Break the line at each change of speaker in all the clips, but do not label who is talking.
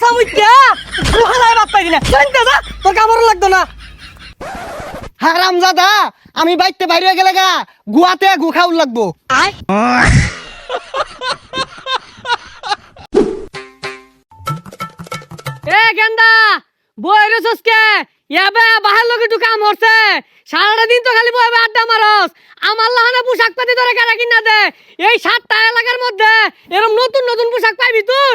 মুইত্যা গুহালায় বাদ পাইলি না জানতে যা তোর কামড় লাগতো না
হারামজাদা আমি বাইতে বাইরে গেলে গা গুয়াতে গু খাউল লাগবো
এ গেন্দা বইরে সসকে ইয়াবে বাহার লগে একটু কাম হচ্ছে সারাটা দিন তো খালি বইবে আড্ডা মারস আমার লাহানে পোশাক পাতি ধরে কেনা কিনা দে এই 7টা এলাকার মধ্যে এরকম নতুন নতুন পোশাক পাইবি তুই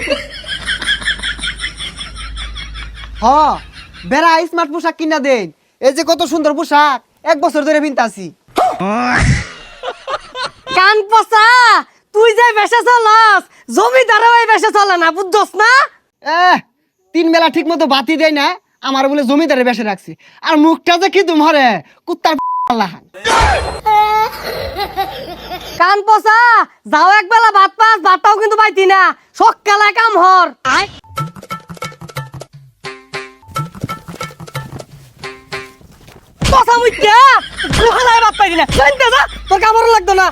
হ বেড়া স্মার্ট পোশাক কিনা দেন এই যে কত সুন্দর পোশাক 1 বছর ধরে পিনতাছি
কান পচা তুই যে বেশে চলস জমিদারও এই বেশে চলে না বুঝছস না
3 বেলা ঠিক মতো বাতি দেয় না আমার বলে জমিদারে বেশে রাখছি আর মুখটা যে কি তুমরে কুত্তার লাহান
কান পচা যাও একবেলা ভাত পাস ভাতটাও কিন্তু পাইতি না সকালে কাম হর পচা মুইত্যা গুহালায় ভাত পাইতি না জানতে যা তোর কামড় লাগতো না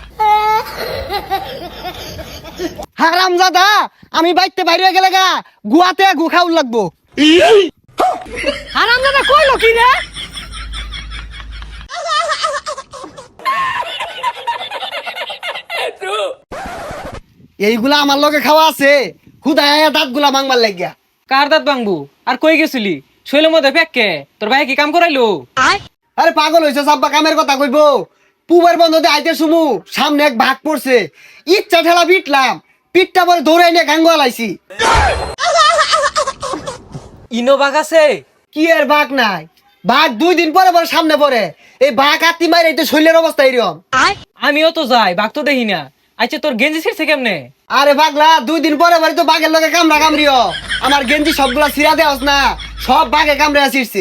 হারামজাদা আমি বাইতে বাইরে গেলে গা গুয়াতে গু খাউল লাগবো
হারামজাদা কইলো কি রে
এইগুলা আমার লগে খাওয়া আছে খুদায় দাঁতগুলা মাংবার লাগিয়া
কার দাঁত ভাঙবো আর কই গেছিলি শৈলের মধ্যে ফেককে তোর ভাই কি কাম করাইলো
আরে পাগল হইছে সাব্বা কামের কথা কইবো পুবের বন্ধতে আইতে সুমু সামনে এক ভাগ পড়ছে ইচ্ছা ঠেলা পিটলাম পিঠটা পরে দৌড়ে নিয়ে গাঙ্গুয়া লাইছি
ইনো বাঘ আছে
কি এর বাঘ নাই বাঘ 2 দিন পরে পরে সামনে পড়ে এই বাঘ আত্মি মারে এই তো শৈলের অবস্থা এরকম
আমিও তো যাই বাঘ তো দেখি না আচ্ছা তোর গেঞ্জি ছিড়ছে কেমনে
আরে পাগলা 2 দিন পরে পরে তো বাঘের লগে কামড়া কামড়িও আমার গেঞ্জি সবগুলা ছিড়া দেওয়াস না সব বাঘে কামড়ে ছিড়ছে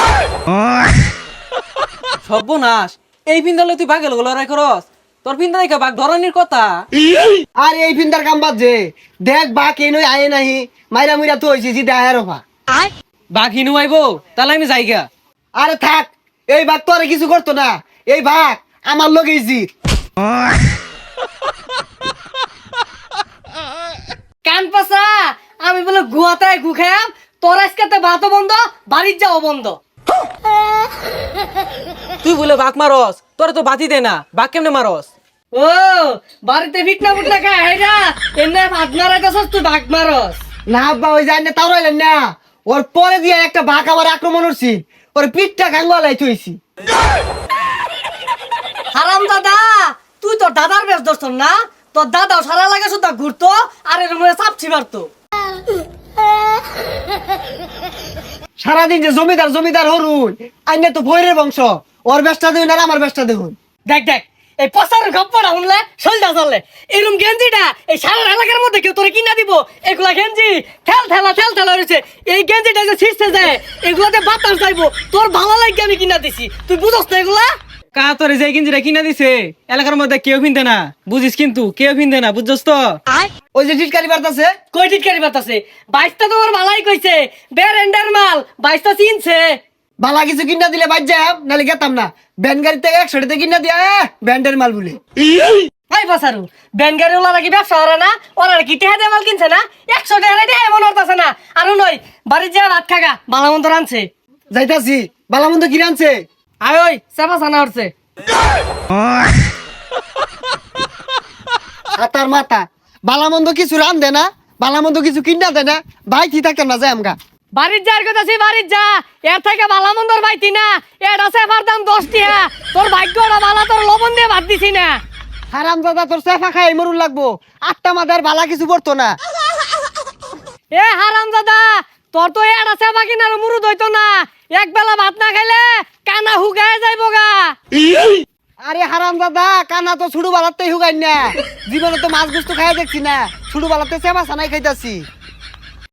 সর্বনাশ এই পিন্দালে তুই বাঘের লড়াই করস তোর পিন্দা দেখা বাঘ ধরনের কথা
আর এই ফিন্দার কাম বাদ যে দেখ বাঘ এই নই আয়ে নাহি মাইরা মুইরা তো হইছে জিদা আয়ের অফা
বাঘ হিনু আইবো তাহলে আমি যাইগা
আরে থাক এই বাঘ তো আর কিছু করতো না এই বাঘ আমার লগে জিত
কান পচা আমি বলে গুয়াতে গু খাম তোর আজকে ভাতও বন্ধ বাড়ির যাও বন্ধ
তুই বলে বাঘ মারস তোর তো বাতি দে না বাঘ কেমনে মারস
ও বাড়িতে ফিটনা ফুটনা খায় হেরা এনে ভাত মারাইতেছস তুই ভাগ মারস
না আব্বা ওই যায় না তাও রইলেন না ওর পরে দিয়ে একটা বাঘ আমার আক্রমণ করছি ওর পিঠটা গাঙ্গুয়া লাই থইছি
হারাম দাদা তুই তোর দাদার বেশ ধরছ না তোর দাদাও সারা লাগে শুধু ঘুরতো আর এর মধ্যে চাপছি মারতো
সারাদিন যে জমিদার জমিদার হরুন আইনে তো ভৈরের বংশ ওর বেশটা দেখুন আর আমার বেশটা দেখুন
দেখ দেখ এই পচার গপ্পটা শুনলে শৈলটা চললে এরকম গেঞ্জিটা এই সারা এলাকার মধ্যে কেউ তোরে কিনা দিব এগুলা গেঞ্জি ঠেল ঠেলা রয়েছে এই গেঞ্জিটা যে ছিঁড়তে যায় এগুলাতে বাতাস যাইবো তোর ভালো লাগে আমি কিনা দিছি তুই বুঝস না এগুলা
কা তোরে যে গেঞ্জিটা কিনা দিছে এলাকার মধ্যে কেউ পিনতে না বুঝিস কিন্তু কেউ পিনতে না বুঝছস তো
ওই যে টিটকারি বার্তাছে
কই টিটকারি বাতাসে বাইশটা তোমার ভালাই কইছে বেরেন্ডার মাল বাইশটা চিনছে
বালা কিছু কিনা দিলে বাদ যাম নালে গেতাম না ব্যান গাড়ি থেকে 100 টাকা কিনা দিয়া ব্যান্ডের মাল বলে
ভাই বাসারু ব্যান গাড়ি ওলা নাকি ব্যবসা করে না ওরা নাকি টেহা দিয়ে মাল কিনছে না 100 টাকা রেটে এমন হতাছে না আর নয় বাড়ির যা ভাত খাগা বালামন্দ রানছে
যাইতাছি বালামন্দ কি রানছে
আয় ওই চাপা ছানা উঠছে
হাতার মাথা বালামন্দ কিছু রান দে না বালামন্দ কিছু কিনা দে না ভাই কি থাকতাম না যাই আমগা
বাড়ির যার কথা সে বাড়ির যা এর থেকে বালামন্দর বাইতি না এটা সেফার দাম 10 টাকা তোর ভাগ্যটা বালা তোর লবণ দিয়ে ভাত দিছি না
হারামজাদা তোর সেফা খাই মরুন লাগবো 8টা মাদার বালা কিছু পড়তো না
এ হারামজাদা তোর তো এটা সেফা কিনার মুরুদ হইতো না এক বেলা ভাত না খাইলে কানা হুগায় যাইবো গা
আরে হারামজাদা কানা তো ছুড়ু বালাতেই হুগাই না জীবনে তো মাছ গুস্ত খাই দেখছি না ছুড়ু বালাতে সেবা সানাই খাইতাছি